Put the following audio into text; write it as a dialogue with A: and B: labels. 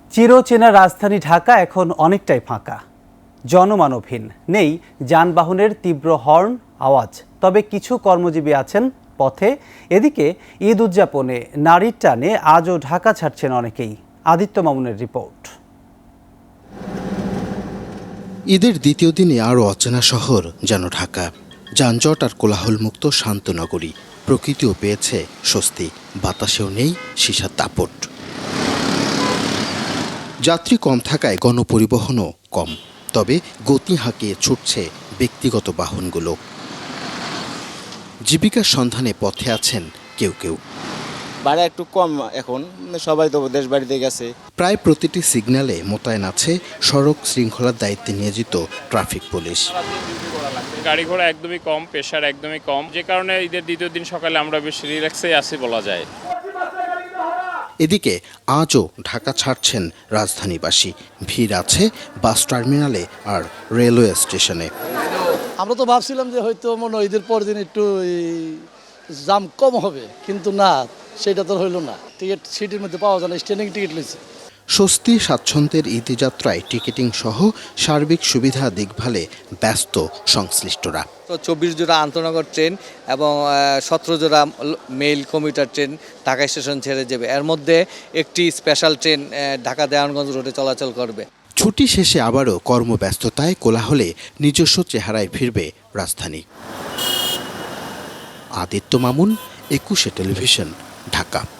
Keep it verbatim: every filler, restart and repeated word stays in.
A: চিরচেনা রাজধানী ঢাকা এখন অনেকটাই ফাঁকা, জনমানবহীন, নেই যানবাহনের তীব্র হর্ন আওয়াজ। তবে কিছু কর্মজীবী আছেন পথে। এদিকে ঈদ উদযাপনে নারীর টানে আজও ঢাকা ছাড়ছেন অনেকেই। আদিত্য মামুনের রিপোর্ট।
B: ঈদের দ্বিতীয় দিনে আরও অচেনা শহর যেন ঢাকা। যানজট আর কোলাহলমুক্ত শান্ত নগরী। প্রকৃতিও পেয়েছে স্বস্তি, বাতাসেও নেই সীসার দাপট। যাত্রী কম থাকায় গণপরিবহনও কম, তবে গতি হাঁকিয়ে ছুটছে ব্যক্তিগত বাহনগুলো। জীবিকার সন্ধানে পথে আছেন কেউ কেউ।
C: ভাড়া একটু কম এখন, সবাই তো দেশ বাড়িতে গেছে।
B: প্রায় প্রতিটি সিগন্যালে মোতায়েন আছে সড়ক শৃঙ্খলার দায়িত্বে নিয়োজিত ট্রাফিক পুলিশ।
D: গাড়ি ঘোড়া একদমই কম, প্রেশার একদমই কম, যে কারণে ঈদের দ্বিতীয় দিন সকালে আমরা বেশ রিল্যাক্সেই আছি বলা যায়।
B: এদিকে আজও ঢাকা ছাড়ছেন রাজধানীবাসী। ভিড় আছে বাস টার্মিনালে আর রেলওয়ে স্টেশনে।
E: আমরা তো ভাবছিলাম যে হয়তো মনে হয় ঈদের পর দিন একটু জাম কম হবে, কিন্তু না, সেটা তো হইল না। টিকিট সিটির মধ্যে পাওয়া যায় না, স্ট্যান্ডিং টিকিট লইছে।
B: স্বস্তি স্বাচ্ছন্দ্যের ঈদযাত্রায় টিকিটিং সহ সার্বিক সুবিধা দেখভালে ব্যস্ত সংশ্লিষ্টরা।
F: তো চব্বিশ জোড়া আন্তনগর ট্রেন এবং সতেরো জোড়া mail commuter train Dhaka station ছেড়ে যাবে। এর মধ্যে একটি স্পেশাল ট্রেন ঢাকা দেওয়ানগঞ্জ রোডে চলাচল করবে।
B: ছুটি শেষে আবারও কর্মব্যস্ততায় কোলাহলে নিজস্ব চেহারায় ফিরবে রাজধানী। আদিত্য মামুন, একুশে টেলিভিশন, ঢাকা।